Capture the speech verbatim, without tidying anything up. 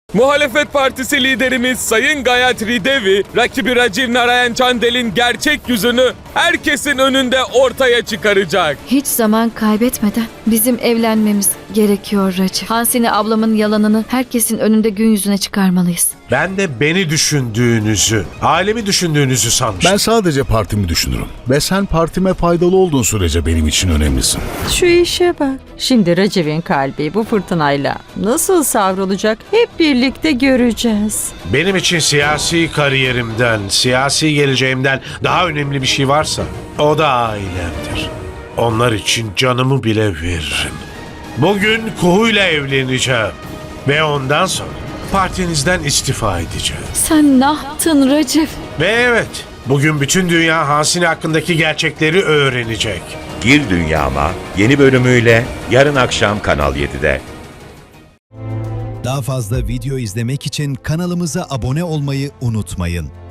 Muhalefet Partisi liderimiz Sayın Gayatri Devi, rakibi Rajiv Narayan Chandel'in gerçek yüzünü herkesin önünde ortaya çıkaracak. Hiç zaman kaybetmeden bizim evlenmemiz gerekiyor Raciv. Hansini ablamın yalanını herkesin önünde gün yüzüne çıkarmalıyız. Ben de beni düşündüğünüzü, ailemi düşündüğünüzü sanmıştım. Ben sadece partimi düşünürüm. Ve sen partime faydalı olduğun sürece benim için önemlisin. Şu işe bak. Şimdi Raciv'in kalbi bu fırtınayla nasıl savrulacak hep birlikte göreceğiz. Benim için siyasi kariyerimden, siyasi geleceğimden daha önemli bir şey varsa o da ailemdir. Onlar için canımı bile veririm. Bugün Kuhu'yla evleneceğim ve ondan sonra partinizden istifa edeceğim. Sen ne yaptın Raciv? Ve evet, bugün bütün dünya Hansini hakkındaki gerçekleri öğrenecek. Gir Dünyama yeni bölümüyle yarın akşam Kanal yedide. Daha fazla video izlemek için kanalımıza abone olmayı unutmayın.